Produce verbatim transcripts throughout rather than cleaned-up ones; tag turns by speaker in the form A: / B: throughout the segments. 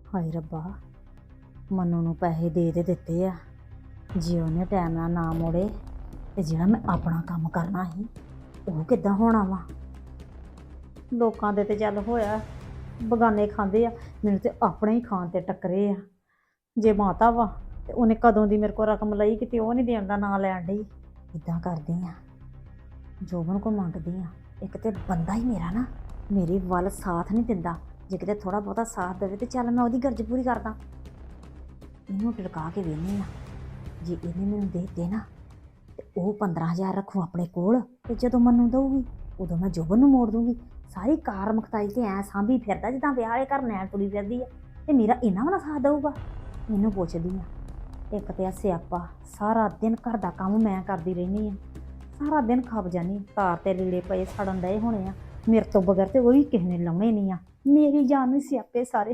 A: ਹਾਏ ਰੱਬਾ, ਮਨੂ ਨੂੰ ਪੈਸੇ ਦੇ ਦੇ ਦਿੱਤੇ ਆ। ਜੇ ਉਹਨੇ ਟਾਈਮ ਨਾਲ ਨਾ ਮੋੜੇ ਤੇ ਜਿਹੜਾ ਮੈਂ ਆਪਣਾ ਕੰਮ ਕਰਨਾ ਸੀ ਉਹ ਕਿੱਦਾਂ ਹੋਣਾ ਵਾ। ਲੋਕਾਂ ਦੇ ਤੇ ਚੱਲ ਹੋਇਆ, ਬਗਾਨੇ ਖਾਂਦੇ ਆ, ਮੈਨੂੰ ਤੇ ਆਪਣੇ ਹੀ ਖਾਣ ਤੇ ਟੱਕਰੇ ਆ। ਜੇ ਮਾਤਾ ਵਾ ਤੇ ਉਹਨੇ ਕਦੋਂ ਦੀ ਮੇਰੇ ਕੋਲ ਰਕਮ ਲਈ, ਕਿਤੇ ਉਹ ਨਹੀਂ ਦੇਣ ਦਾ ਨਾਂ ਲੈਣ ਡਈ। ਇੱਦਾਂ ਕਰਦੀ ਆ, ਜੋਬਨ ਕੋ ਮੰਗਦੀ ਆ। ਇੱਕ ਤੇ ਬੰਦਾ ਹੀ ਮੇਰਾ ਨਾ ਮੇਰੀ ਵੱਲ ਸਾਥ ਨਹੀਂ ਦਿੰਦਾ, ਜੇ ਕਿਤੇ ਥੋੜਾ ਬਹੁਤਾ ਸਾਥ ਦੇਵੇ ਤੇ ਚੱਲ ਮੈਂ ਉਹਦੀ ਗਰਜ ਪੂਰੀ ਕਰਦਾ। ਇਹਨੂੰ ਟਿਕਾ ਕੇ ਵੇਖਦੀ ਆ, ਜੇ ਇਹਨੇ ਮੈਨੂੰ ਦੇ ਦਿੱਤੇ ਨਾ ਤੇ ਉਹ ਪੰਦਰਾਂ ਹਜ਼ਾਰ ਰੱਖੂ ਆਪਣੇ ਕੋਲ, ਤੇ ਜਦੋਂ ਮੈਨੂੰ ਦਊਗੀ ਉਦੋਂ ਮੈਂ ਜੋਬਨ ਨੂੰ ਮੋੜ ਦੂੰਗੀ। ਸਾਰੀ ਕਾਰ ਮਖਤਾਈ ਤੇ ਐਂ ਸਾਂਭੀ ਫਿਰਦਾ ਜਿੱਦਾਂ ਵਿਆਹ ਵਾਲੇ ਘਰ ਨੈਣ ਤੁਰੀ ਫਿਰਦੀ ਆ, ਤੇ ਮੇਰਾ ਇਹਨਾਂ ਵਾਲਾ ਸਾਥ ਦਊਗਾ। ਮੈਨੂੰ ਪੁੱਛਦੀ ਆ, ਇੱਕ ਤੇ ਆ ਸਿਆਪਾ, ਸਾਰਾ ਦਿਨ ਘਰ ਦਾ ਕੰਮ ਮੈਂ ਕਰਦੀ ਰਹਿੰਦੀ ਆ, ਸਾਰਾ ਦਿਨ ਖੱਪ ਜਾਂਦੀ। ਤਾਰ ਤੇ ਲੀੜੇ ਪਏ ਸੜਨ ਡਏ ਹੋਣੇ ਆ, ਮੇਰੇ ਤੋਂ ਬਗੈਰ ਤੇ ਉਹ ਵੀ ਕਿਸੇ ਨੇ ਲਾਉਣੇ ਨਹੀਂ ਆ। ਮੇਰੀ ਜਾਨ ਨੂੰ ਸਿਆਪੇ ਸਾਰੇ।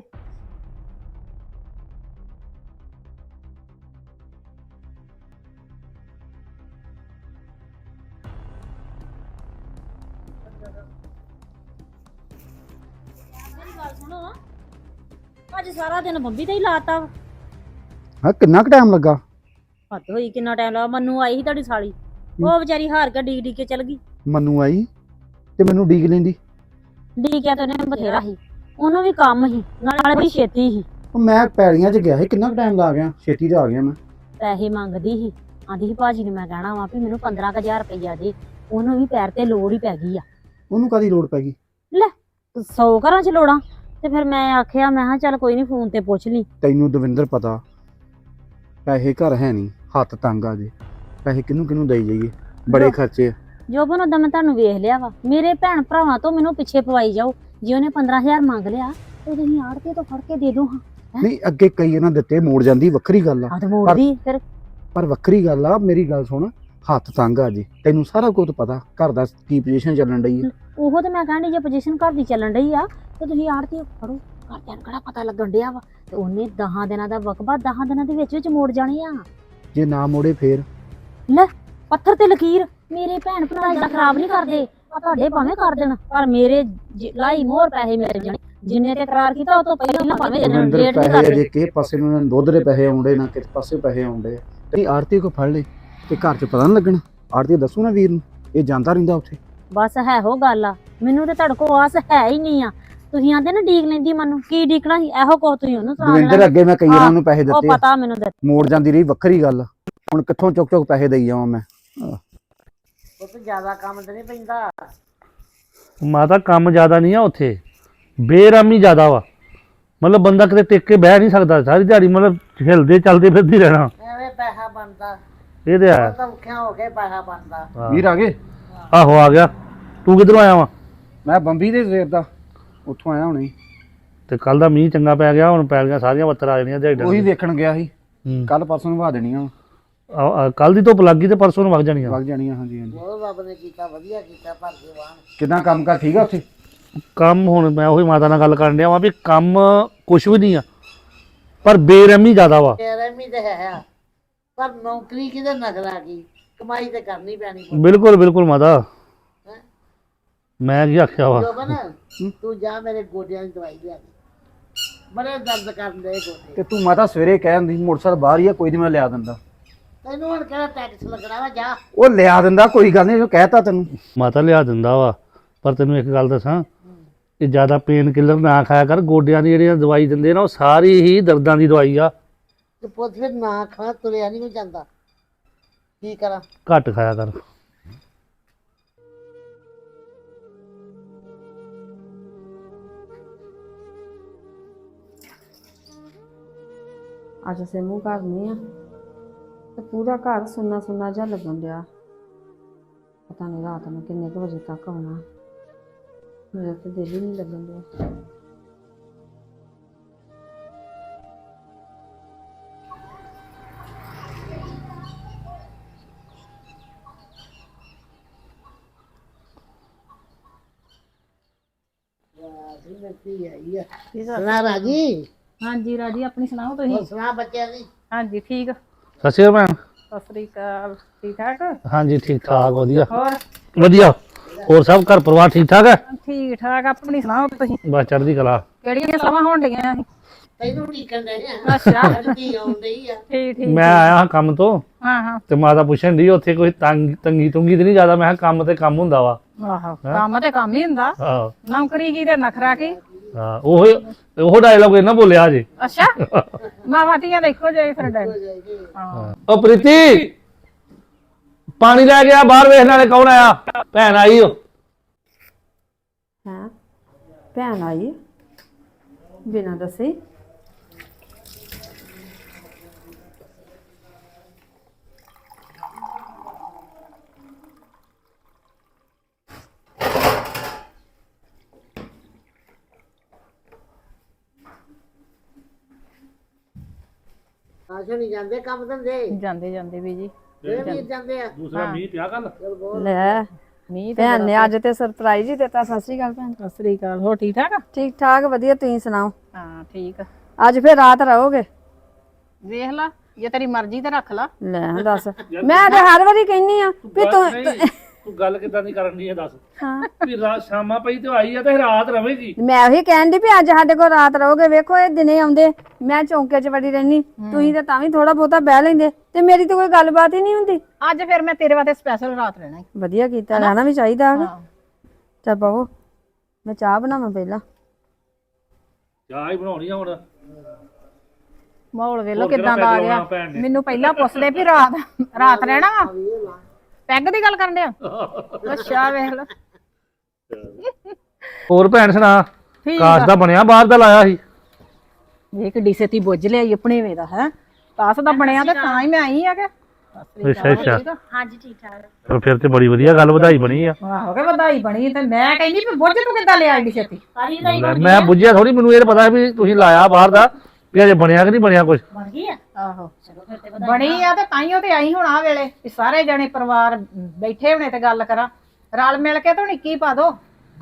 A: ਸੁਣੋ, ਅੱਜ ਸਾਰਾ ਦਿਨ ਬੰਬੀ ਤੇ ਹੀ ਲਾਤਾ ਵਾ।
B: ਹਾਂ, ਕਿੰਨਾ ਕੁ ਟਾਈਮ ਲੱਗਾ?
A: ਹੱਦ ਹੋਈ, ਕਿੰਨਾ ਟਾਈਮ ਲੱਗਾ। ਮੰਨੂ ਆਈ ਸੀ ਤੁਹਾਡੀ ਸਾਲੀ, ਉਹ ਵਿਚਾਰੀ ਹਾਰ ਕੇ ਡੀਕ ਡੀਕ ਕੇ ਚਲ ਗਈ।
B: ਮੰਨੂ ਆਈ ਤੇ ਮੈਨੂੰ ਡੀਕ ਲੈਂਦੀ।
A: ਡੀਕਿਆ ਤਾਂ ਉਹਨੇ ਬਥੇਰਾ ਸੀ, ਉਹਨੂੰ ਵੀ ਕੰਮ ਸੀ, ਨਾਲੇ ਬੜੀ ਛੇਤੀ ਸੀ।
B: ਉਹ ਮੈਂ ਪੈੜੀਆਂ 'ਚ ਗਿਆ ਸੀ, ਕਿੰਨਾ ਕੁ ਟਾਈਮ ਲਾ ਗਿਆ, ਛੇਤੀ ਤੇ ਆ ਗਿਆ ਮੈਂ।
A: ਪੈਸੇ ਮੰਗਦੀ ਸੀ, ਆਂਦੀ ਸੀ ਭਾਜੀ ਨੂੰ ਮੈਂ ਕਹਿਣਾ ਵਾ ਵੀ ਮੈਨੂੰ ਪੰਦਰਾਂ ਕੁ ਹਜ਼ਾਰ ਰੁਪਈਆ ਦੇ। ਉਹਨੂੰ ਵੀ ਪੈਰ ਤੇ ਲੋੜ ਹੀ ਪੈ ਗਈ ਆ।
B: ਉਹਨੂੰ ਕਾਹਦੀ ਲੋੜ ਪੈ ਗਈ?
A: ਲੈ, ਸੌ ਘਰਾਂ 'ਚ ਲੋੜਾਂ। ਤੇ ਫਿਰ ਮੈਂ ਆਖਿਆ, ਮੈਂ ਕਿਹਾ ਚੱਲ ਕੋਈ ਨਹੀਂ, ਫੋਨ ਤੇ ਪੁੱਛ ਲਈ।
B: ਤੈਨੂੰ ਦਵਿੰਦਰ ਪਤਾ, ਪੈਸੇ ਘਰ ਹੈ ਨਹੀਂ, ਹੱਥ ਤੰਗ ਆ ਜੇ, ਪੈਸੇ ਕਿਹਨੂੰ ਕਿਹਨੂੰ ਦੇਈ ਜਾਈਏ, ਬੜੇ ਖਰਚੇ ਆ।
A: ਜੋਬਨ ਉਦਾਂ ਮੈਂ ਤੁਹਾਨੂੰ ਵੇਖ ਲਿਆ ਵਾ, ਮੇਰੇ ਭੈਣ ਭਰਾਵਾਂ ਤੋਂ ਮੈਨੂੰ ਪਿੱਛੇ ਪਵਾਈ ਜਾਓ। ਜੇ ਉਹਨੇ ਪੰਦਰਾਂ ਹਜ਼ਾਰ ਮੰਗ ਲਿਆ ਤੇ ਤੁਸੀਂ ਆੜਤੀ ਤੋਂ ਫੜ ਕੇ ਦੇ ਦੋ। ਹਾਂ
B: ਨਹੀਂ, ਅੱਗੇ ਕਈ ਇਹਨਾਂ ਦਿੱਤੇ, ਮੋੜ ਜਾਂਦੀ, ਵੱਖਰੀ ਗੱਲ ਆ।
A: ਆ ਤੇ ਮੋੜਦੀ ਫਿਰ।
B: ਪਰ ਵੱਖਰੀ ਗੱਲ ਆ, ਮੇਰੀ ਗੱਲ ਸੁਣ, ਹੱਥ ਤੰਗ ਆ ਜੇ, ਤੈਨੂੰ ਸਾਰਾ ਕੁਝ ਪਤਾ, ਘਰ ਦਾ ਕੀ ਪੋਜੀਸ਼ਨ ਚੱਲਣ ਡਈ ਆ।
A: ਉਹ ਤੇ ਮੈਂ ਕਹਿੰਦੀ, ਜੇ ਪੋਜੀਸ਼ਨ ਘਰ ਦੀ ਚੱਲਣ ਡਈ ਆ ਤੇ ਤੁਸੀਂ ਆੜਤੀ ਫੜੋ। ਘਰਦਿਆਂ ਨੂੰ ਕਿਹੜਾ ਪਤਾ ਲੱਗਣ ਡਿਆ ਵਾ, ਤੇ ਉਹਨੇ ਦਸਾਂ ਦਿਨਾਂ ਦਾ ਵਕਬਾ ਦਸਾਂ ਦਿਨਾਂ ਦੇ ਵਿੱਚ ਵਿੱਚ ਮੋੜ ਜਾਣੇ ਆ।
B: ਜੇ ਨਾ ਮੋੜੇ ਫੇਰ?
A: ਲੈ, ਪੱਥਰ ਤੇ ਲਕੀਰ। ਮੇਰੇ ਭੈਣ ਭਰਾ ਦਾ ਖਰਾਬ ਨਹੀਂ ਕਰਦੇ, ਆ ਤੁਹਾਡੇ ਭਾਵੇਂ ਕਰ ਦੇਣ, ਪਰ ਮੇਰੇ ਲਾਈ ਮੋਹਰ ਪੈਸੇ ਮਿਲ ਜਾਣੇ। ਜਿੰਨੇ ਤੇ ਕਰਾਰ ਕੀਤਾ ਉਹ ਤੋਂ ਪਹਿਲਾਂ ਭਾਵੇਂ ਦੇ ਦੇਣ, ਡੇਟ ਨਹੀਂ ਕਰਦੇ।
B: ਜੇ ਕਿਸੇ ਪਾਸੇ ਨੂੰ ਦੁੱਧ ਦੇ ਪੈਸੇ ਆਉਂਦੇ, ਨਾ ਕਿਸੇ ਪਾਸੇ ਪੈਸੇ ਆਉਂਦੇ, ਤੇ ਆੜਤੀ ਕੋ ਫੜ ਲੈ ਤੇ ਘਰ 'ਚ ਪਤਾ ਨਹੀਂ ਲੱਗਣਾ। ਆੜਤੀ ਦੱਸੂ ਨਾ ਵੀਰ ਨੂੰ, ਇਹ ਜਾਂਦਾ ਰਹਿੰਦਾ ਉੱਥੇ।
A: ਬਸ ਹੈ ਹੋ ਗੱਲ ਆ, ਮੈਨੂੰ ਤੇ ਤੁਹਾਡੇ ਕੋਲ ਆਸ ਹੈ ਹੀ ਨਹੀਂ ਆ। ਤੁਸੀਂ ਆਂਦੇ ਨਾ ਡੀਕ ਲੈਂਦੀ, ਮੈਨੂੰ ਕੀ ਡੀਕਣਾ ਸੀ? ਇਹੋ ਕੋ ਤੁਸੀਂ ਉਹਨੂੰ ਸੁਣਾ
B: ਦਵਿੰਦਰ, ਅੱਗੇ ਮੈਂ ਕਈ ਵਾਰਾਂ ਨੂੰ ਪੈਸੇ ਦਿੱਤੇ,
A: ਉਹ ਪਤਾ ਮੈਨੂੰ ਦਿੱਤੇ,
B: ਮੋੜ ਜਾਂਦੀ ਰਹੀ, ਵੱਖਰੀ ਗੱਲ। ਹੁਣ ਕਿੱਥੋਂ ਚੁੱਕ ਚੁੱਕ ਪੈਸੇ ਦੇਈ ਜਾਵਾਂ ਮੈਂ?
C: ਉਹ ਤੇ ਜ਼ਿਆਦਾ ਕੰਮ ਤੇ ਨਹੀਂ ਪੈਂਦਾ।
D: ਮਾਤਾ ਕੰਮ ਜ਼ਿਆਦਾ ਨਹੀਂ ਆ ਉੱਥੇ, ਬੇਰਾਮੀ ਜ਼ਿਆਦਾ ਵਾ। ਮਤਲਬ ਬੰਦਾ ਕਿਤੇ ਟਿਕ ਕੇ ਬਹਿ ਨਹੀਂ ਸਕਦਾ, ਸਾਰੀ ਦਿਹਾੜੀ ਮਤਲਬ ਹਿਲਦੇ ਚੱਲਦੇ ਫਿਰਦੀ ਰਹਿਣਾ।
C: ਐਵੇਂ ਪੈਸਾ ਬਣਦਾ,
D: ਇਹ ਤੇ ਹੈ।
C: ਤਾਂ ਔਖਿਆਂ ਹੋ ਕੇ ਪੈਸਾ ਬਣਦਾ।
B: ਵੀਰ ਆ ਗਏ?
D: ਆਹੋ ਆ ਗਿਆ। ਤੂੰ ਕਿੱਧਰੋਂ ਆਇਆ ਵਾ?
B: ਮੈਂ ਬੰਬੀ ਦੇ ਸਵੇਰ ਦਾ, ਉੱਥੋਂ ਆਇਆ ਹੁਣੇ।
D: ਤੇ ਕੱਲ ਦਾ ਮੀਂਹ ਚੰਗਾ ਪੈ ਗਿਆ, ਹੁਣ ਪੈ ਗਈਆਂ ਸਾਰੀਆਂ ਬੱਤਰ ਆ ਜਾਣੀਆਂ ਦਿਹਾੜੀ।
B: ਉਹੀ ਵੇਖਣ ਗਿਆ ਸੀ,
D: ਹੂੰ,
B: ਕੱਲ ਪਰਸੋਂ ਨੂੰ ਵਾ ਦੇਣੀਆਂ,
D: ਕੱਲ ਦੀ ਧੁੱਪ ਲੱਗ ਗਈ ਤੇ ਪਰਸੋਂ ਨੂੰ ਵਗ ਜਾਣੀਆਂ।
B: ਵਗ ਜਾਣੀਆਂ, ਹਾਂਜੀ ਹਾਂਜੀ।
C: ਉਹ ਰੱਬ ਨੇ ਕੀਤਾ, ਵਧੀਆ ਕੀਤਾ, ਭਰ ਕੇ ਵਾਹਣ।
B: ਕਿੱਦਾਂ ਕੰਮ ਕਾਰ ਠੀਕ ਆ ਉੱਥੇ?
D: ਕੰਮ ਹੁਣ ਮੈਂ ਉਹੀ ਮਾਤਾ ਨਾਲ ਗੱਲ ਕਰਨ ਡਿਆ ਵਾਂ ਵੀ ਕੰਮ ਕੁਛ ਵੀ ਨਹੀਂ ਆ, ਪਰ ਬੇਰਹਿਮੀ ਜ਼ਿਆਦਾ ਵਾ।
C: ਰਹਿਮੀ ਤੇ ਹੈ ਆ, ਪਰ ਨੌਕਰੀ ਕਿਹਦੇ ਨਜ਼ਰ ਆ ਗਈ, ਕਮਾਈ ਤੇ ਕਰਨੀ ਪੈਣੀ।
D: ਬਿਲਕੁਲ ਬਿਲਕੁਲ ਮਾਤਾ, ਮੈਂ ਕੀ ਆਖਿਆ ਵਾ।
C: ਜੋਬਨ, ਤੂੰ ਜਾ ਮੇਰੇ ਗੋਡਿਆਂ ਦੀ ਦਵਾਈ ਲਿਆ ਦੇ, ਬੜੇ ਦਰਦ ਕਰਦੇ ਗੋਡੇ।
B: ਤੇ ਤੂੰ ਮਾਤਾ ਸਵੇਰੇ ਕਹਿ ਦਿੰਦੀ ਮੋਟਰਸਾਈਕਲ ਬਾਹਰ ਹੀ ਆ, ਕੋਈ ਨਹੀਂ ਮੈਂ ਲਿਆ ਦਿੰਦਾ।
C: ਤੈਨੂੰ ਹੁਣ ਕਿਹੜਾ ਟੈਕਸ ਲੱਗਣਾ ਵਾ, ਜਾ।
B: ਉਹ ਲਿਆ ਦਿੰਦਾ, ਕੋਈ ਗੱਲ ਨਹੀਂ, ਜੋ ਕਹਿਤਾ ਤੈਨੂੰ।
D: ਮਾਤਾ ਲਿਆ ਦਿੰਦਾ ਵਾ, ਪਰ ਤੈਨੂੰ ਇੱਕ ਗੱਲ ਦੱਸਾਂ, ਇਹ ਜ਼ਿਆਦਾ ਪੇਨ ਕਿਲਰ ਨਾ ਖਾਇਆ ਕਰ। ਗੋਡਿਆਂ ਦੀ ਜਿਹੜੀਆਂ ਦਵਾਈ ਦਿੰਦੇ ਨਾ, ਉਹ ਸਾਰੀ ਹੀ ਦਰਦਾਂ ਦੀ ਦਵਾਈ ਆ।
C: ਤੇ ਪੁੱਤ ਫਿਰ ਨਾ ਖਾ, ਤੁਰਿਆ ਨਹੀਂ ਜਾਂਦਾ, ਕੀ ਕਰਾਂ?
D: ਘੱਟ ਖਾਇਆ ਕਰ।
E: ਅੱਜ ਸਿੰਮੂ ਘਰ ਨਹੀਂ ਆ ਤੇ ਪੂਰਾ ਘਰ ਸੁੰਨਾ ਸੁੰਨਾ ਜਿਹਾ ਲੱਗਣ ਡਿਆ। ਪਤਾ ਨਹੀਂ ਰਾਤ ਨੂੰ ਕਿੰਨੇ ਕੁ ਵਜੇ ਤੱਕ ਆਉਣਾ, ਮੇਰਾ ਤੇ ਦਿਲ ਹੀ ਨਹੀਂ ਲੱਗਣ ਡਿਆ।
C: ਸੁਣਾ ਰਾਜੀ?
A: ਹਾਂਜੀ ਰਾਜੀ, ਆਪਣੀ ਸੁਣਾਓ ਤੁਸੀਂ?
C: ਸੁਣਾ ਬੱਚਿਆਂ ਦੀ?
A: ਹਾਂਜੀ ਠੀਕ।
D: ਸਤਿ ਸ਼੍ਰੀ ਅਕਾਲ ਭੈਣ।
A: ਸਤਿ ਸ੍ਰੀ ਅਕਾਲ। ਠੀਕ ਠਾਕ?
D: ਹਾਂਜੀ ਠੀਕ ਠਾਕ, ਵਧੀਆ
A: ਹੋਰ
D: ਵਧੀਆ। ਹੋਰ ਸਭ ਘਰ ਪਰਿਵਾਰ ਠੀਕ ਠਾਕ ਹੈ?
A: ਠੀਕ ਠਾਕ, ਆਪਣੀ ਸੁਣਾਓ ਤੁਸੀਂ?
D: ਬਸ ਚੜ੍ਹਦੀ ਕਲਾ।
F: ਕਿਹੜੀਆਂ ਸਲਾਹਾਂ ਹੋਣ ਡੀਆਂ ਸੀ?
C: ਤੈਨੂੰ ਢੀਕਣ ਦੇ ਆ
F: ਅੱਛਾ
C: ਧੀ ਆਉਂਦੀ ਆ
F: ਠੀਕ ਠੀਕ
D: ਮੈਂ ਆਇਆ ਹਾਂ ਕੰਮ ਤੋਂ
F: ਹਾਂ ਹਾਂ
D: ਤੇ ਮਾਤਾ ਪੁੱਛਣ ਦੀ ਉੱਥੇ ਕੋਈ ਤੰਗ ਤੰਗੀ ਤੁੰਗੀ ਤੇ ਨਹੀਂ ਜ਼ਿਆਦਾ। ਮੈਂ ਕਿਹਾ ਕੰਮ ਤੇ ਕੰਮ ਹੁੰਦਾ ਵਾ।
F: ਆਹੋ ਕੰਮ ਤੇ ਕੰਮ ਹੀ ਹੁੰਦਾ,
D: ਆਹੋ
F: ਨੌਕਰੀ ਕੀ ਤੇ ਨਖਰਾ ਕੀ।
D: ਹਾਂ ਉਹ ਉਹ ਡਾਇਲੌਗ ਇਹਨਾਂ ਬੋਲਿਆ ਜੇ।
F: ਅੱਛਾ ਮਾਵਾਂ ਧੀਆਂ ਦੇਖੋ ਜੇ ਫਿਰ ਡਰ ਹਾਂ
D: ਉਹ ਪ੍ਰੀਤੀ ਪਾਣੀ ਲੈ ਗਿਆ ਬਾਹਰ, ਵੇਖਣ ਵਾਲੇ ਕੌਣ ਆਇਆ? ਭੈਣ ਆਈ ਓ।
E: ਹੈਂ ਭੈਣ ਆਈ ਬਿਨਾਂ ਦੱਸੇ?
C: ਆਸ਼ਾ ਨਹੀਂ ਜਾਂਦੇ ਕੰਮ ਧੰਦੇ
F: ਜਾਂਦੇ ਜਾਂਦੇ ਵੀ ਜੀ
C: ਇਹ ਵੀ ਜਾਂਦੇ ਆ
D: ਦੂਸਰਾ ਮੀਂਹ ਪਿਆ ਕੱਲ।
E: ਲੈ
F: ਮੀਂਹ
E: ਭੈਣ ਨੇ ਅੱਜ ਤੇ ਸਰਪ੍ਰਾਈਜ਼ ਹੀ ਦਿੱਤਾ। ਸਤਿ ਸ਼੍ਰੀ ਅਕਾਲ ਭੈਣ।
F: ਸਤਿ ਸ੍ਰੀ ਅਕਾਲ। ਹੋ ਠੀਕ ਠਾਕ?
E: ਠੀਕ ਠਾਕ ਵਧੀਆ, ਤੁਸੀਂ ਸੁਣਾਓ?
F: ਹਾਂ ਠੀਕ ਆ।
E: ਅੱਜ ਫਿਰ ਰਾਤ ਰਹੋਗੇ?
F: ਵੇਖ ਲਾ ਜੇ ਤੇਰੀ ਮਰਜ਼ੀ ਤੇ ਰੱਖ ਲਾ।
E: ਲੈ ਦੱਸ, ਮੈਂ ਤੇ ਹਰ ਵਾਰੀ ਕਹਿੰਨੀ ਆ ਵੀ ਤੂੰ
D: ਤੂੰ ਗੱਲ ਕਿੱਦਾਂ ਦੀ ਕਰਨ ਦੀ ਹੈ ਦੱਸ।
E: ਹਾਂ
D: ਵੀ ਰਾਤ ਸ਼ਾਮਾਂ ਪਈ ਤੇ ਆਈ ਆ ਤੇ ਰਾਤ ਰਵੇਗੀ।
E: ਮੈਂ ਉਹੀ ਕਹਿਣ ਦੀ ਵੀ ਅੱਜ ਸਾਡੇ ਕੋਲ ਰਾਤ ਰਹੋਗੇ। ਵੇਖੋ ਇਹ ਦਿਨੇ ਆਉਂਦੇ, ਮੈਂ ਚੌਂਕੇ 'ਚ ਵੜੀ ਰਹਿਨੀ, ਤੁਸੀਂ ਤਾਂ ਤਾਂ ਵੀ ਥੋੜਾ ਬਹੁਤਾ ਬਹਿ ਲੈਂਦੇ ਤੇ ਮੇਰੀ ਤਾਂ ਕੋਈ ਗੱਲਬਾਤ ਹੀ ਨਹੀਂ ਹੁੰਦੀ।
F: ਅੱਜ ਫਿਰ ਮੈਂ ਤੇਰੇ ਵਾਸਤੇ ਸਪੈਸ਼ਲ ਰਾਤ ਰਹਿਣਾ ਈ।
E: ਵਧੀਆ ਕੀਤਾ, ਰਹਿਣਾ ਵੀ ਚਾਹੀਦਾ ਹੈਗਾ।
F: ਹਾਂ
E: ਚੱਲ ਬਾਬੂ ਮੈਂ ਚਾਹ ਬਣਾਵਾਂ ਪਹਿਲਾਂ।
D: ਚਾਹ ਹੀ ਬਣਾਉਣੀ ਆ ਹੁਣ।
F: ਮਾਹੌਲ ਵੇਲੋ
D: ਹੋਰ
F: ਕਿਦਾਂ ਦਾ ਆ
D: ਕਿਹੜਾ
F: ਗਿਆ।
D: ਪੈਗ ਲਾਉਣਾ ਭੈਣ ਨੇ?
F: ਮੈਨੂੰ ਪਹਿਲਾਂ ਪੁੱਛਦੇ ਵੀ ਰਾਤ ਰਾਤ ਰਹਿਣਾ ਵਾ, ਪੈਗ ਦੀ ਗੱਲ ਕਰਨ ਡਿਆ। ਅੱਛਾ ਵੇਖ ਲਾ
D: ਹੋਰ ਭੈਣ ਸੁਣਾ?
F: ਠੀਕ
D: ਕਾਸ਼
F: ਆ।
D: ਦਾ ਬਣਿਆ ਬਾਹਰ ਦਾ ਲਾਇਆ ਸੀ।
F: ਇਹ ਕਿੱਡੀ ਛੇਤੀ ਬੁੱਝ ਲਿਆਈ ਆਪਣੇ ਵੇ ਦਾ ਹੈ। ਕਾਸ ਦਾ ਬਣਿਆ ਤੇ ਤਾਂ ਹੀ ਮੈਂ ਆਈ ਆ ਕਿ
D: ਅੱਛਾ ਅੱਛਾ
A: ਹਾਂਜੀ ਠੀਕ ਠਾਕ।
D: ਚਲੋ ਫਿਰ ਤੇ ਬੜੀ ਵਧੀਆ ਗੱਲ, ਵਧਾਈ ਬਣੀ ਆ।
F: ਆਹੋ ਕੇ ਵਧਾਈ ਬਣੀ ਤੇ ਮੈਂ ਕਹਿੰਦੀ ਵੀ ਬੁੱਝ ਤੂੰ ਕਿੱਦਾਂ ਲਿਆ ਏਡੀ ਛੇਤੀ?
A: ਕਾਹਦੀ ਦਾ
D: ਲੈ, ਮੈਂ ਬੁੱਝਿਆ ਥੋੜੀ, ਮੈਨੂੰ ਇਹ ਤਾਂ ਪਤਾ ਵੀ ਤੁਸੀਂ ਲਾਇਆ ਬਾਹਰ ਦਾ, ਵੀ ਅਜੇ ਬਣਿਆ ਕਿ ਨਹੀਂ ਬਣਿਆ ਕੁਝ।
A: ਬਣ ਗਈ ਆ?
F: ਆਹੋ ਬਣੀ ਆ ਤੇ ਤਾਈਓ ਤੇ ਆਈ ਹੁਣ ਆ ਵੇਲੇ ਵੀ ਸਾਰੇ ਜਣੇ ਪਰਿਵਾਰ ਬੈਠੇ ਹੋਣੇ ਤੇ ਗੱਲ ਕਰਾਂ, ਰਲ ਮਿਲ ਕੇ ਤੂੰ ਨਿੱਕੀ ਪਾ ਦੋ।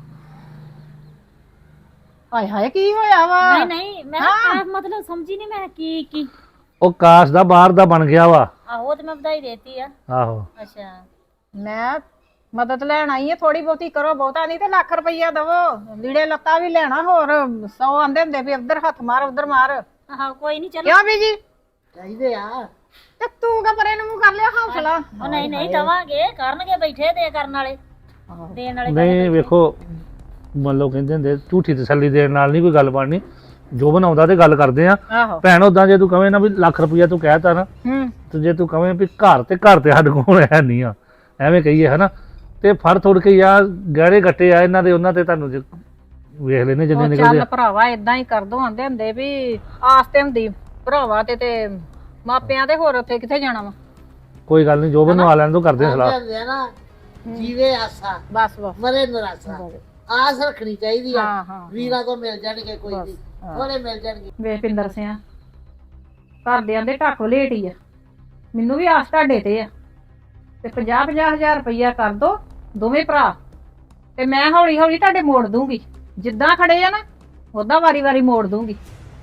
F: ਹਾਏ ਹਾਏ ਕੀ ਹੋਇਆ ਵਾ?
A: ਨਹੀਂ ਨਹੀਂ ਮੈਂ ਕਿਹਾ ਮਤਲਬ ਸਮਝੀ ਨਹੀਂ ਮੈਂ ਕੀ ਕੀ।
D: ਉਹ ਕਾਸ਼ ਦਾ ਬਾਹਰ ਦਾ ਬਣ ਗਿਆ ਵਾ।
A: ਆਹੋ ਤੇ ਮੈਂ ਵਧਾਈ ਦੇਤੀ ਆ।
D: ਆਹੋ
A: ਅੱਛਾ
F: ਮੈਂ ਮਦਦ ਲੈਣ ਆਈ ਆ, ਥੋੜੀ ਬਹੁਤੀ ਕਰੋ, ਬਹੁਤਾ ਨਹੀਂ ਤੇ ਲੱਖ ਰੁਪਈਆ ਦਵੋ, ਲੀੜੇ ਲੱਤਾ ਵੀ ਲੈਣਾ, ਹੋਰ ਸੌ ਆਂਦੇ ਹੁੰਦੇ ਵੀ ਉਧਰ ਹੱਥ ਮਾਰ ਉਧਰ ਮਾਰ।
A: ਆਹੋ ਕੋਈ ਨਹੀਂ ਚਲੋ।
F: ਕਿਉਂ ਬੀਜੀ?
C: ਚਾਹੀਦੇ ਆ
F: ਤੇ ਤੂੰ ਕਾ ਪਰੇ ਨੂੰ ਮੂੰਹ ਕਰ ਲਿਆ ਹੌਸਲਾ?
A: ਉਹ ਨਹੀਂ ਨਹੀਂ ਦਵਾਂਗੇ, ਕਰਨਗੇ ਬੈਠੇ ਦੇ ਕਰਨ ਵਾਲੇ ਦੇਣ ਵਾਲੇ।
D: ਨਹੀਂ ਵੇਖੋ ਮੰਨ ਲਓ ਕਹਿੰਦੇ ਹੁੰਦੇ ਝੂਠੀ ਤਸੱਲੀ ਦੇਣ ਨਾਲ ਨਹੀਂ ਕੋਈ ਗੱਲ ਬਣਨੀ। ਜੋ ਬਣਾਉਂਦਾ ਤੇ ਗੱਲ ਕਰਦੇ ਆ।
F: ਆਹੋ
D: ਭੈਣ ਉਦਾਂ ਜੇ ਤੂੰ ਕਵੇਂ ਨਾ ਵੀ ਲੱਖ ਰੁਪਈਆ ਤੂੰ ਕਹਿਤਾ ਨਾ,
F: ਹੂੰ
D: ਤੇ ਜੇ ਤੂੰ ਕਵੇਂ ਵੀ ਘਰ ਤੇ ਘਰ ਤੇ ਸਾਡੇ ਕੋਲ ਹੈ ਨਹੀਂ ਆ, ਐਵੇਂ ਕਹੀਏ ਹਨਾ, ਤੇ ਫੜ ਥੋੜ ਕੇ ਯਾਰ ਗਹਿਰੇ ਗੱਟੇ ਆ ਇਹਨਾਂ ਦੇ, ਉਹਨਾਂ ਤੇ ਤੁਹਾਨੂੰ ਜੇ ਵੇਖ ਲੈਨੇ ਜਿੰਨੇ
F: ਉਹ
D: ਨਿਕਲਦੇ
F: ਚੱਲ
D: ਆ।
F: ਭਰਾਵਾ ਇਦਾਂ ਹੀ ਕਰ ਦੋ, ਆਂਦੇ ਹੁੰਦੇ ਵੀ ਆਸ ਤੇ ਹੁੰਦੀ ਭਰਾਵਾ ਤੇ ਤੇ ਮਾਪਿਆਂ ਦੇ, ਹੋਰ ਉੱਥੇ ਕਿੱਥੇ ਜਾਣਾ ਵਾ।
D: ਕੋਈ ਗੱਲ ਨਹੀਂ, ਜੋ ਬਣਵਾ ਲੈਣ ਤੋਂ ਕਰਦੇ ਆ ਸਲਾਹ।
C: ਕਹਿੰਦੇ ਆ ਨਾ ਜੀਵੇ ਆਸਾ
F: ਬਸ ਬਸ
C: ਮਰੇ ਨਰਾਸਾ, ਆਸ ਰੱਖਣੀ ਚਾਹੀਦੀ ਆ।
F: ਹਾਂ ਹਾਂ
C: ਵੀਰਾਂ ਤੋਂ ਮਿਲ ਜਾਣਗੇ, ਕੋਈ ਨਹੀਂ ਥੋੜੇ ਮਿਲ ਜਾਣਗੇ।
F: ਵੇ ਪਿੰਦਰ ਸਿਆ ਘਰਦਿਆਂ ਦੇ ਢਾਕੋ ਲੇਟ ਹੀ ਆ, ਮੈਨੂੰ ਵੀ ਆਸ ਤੁਹਾਡੇ ਤੇ ਆ, ਤੇ ਪੰਜਾਹ ਪੰਜਾਹ ਹਜ਼ਾਰ ਰੁਪਈਆ ਕਰ ਦੋ ਦੋਵੇਂ ਭਰਾ, ਤੇ ਮੈਂ ਹੌਲੀ ਹੌਲੀ ਤੁਹਾਡੇ ਮੋੜ ਦੂੰਗੀ। ਜਿੱਦਾਂ ਖੜੇ ਆ ਨਾ ਉਦਾਂ ਵਾਰੀ ਵਾਰੀ ਮੋੜ ਦੂੰਗੀ।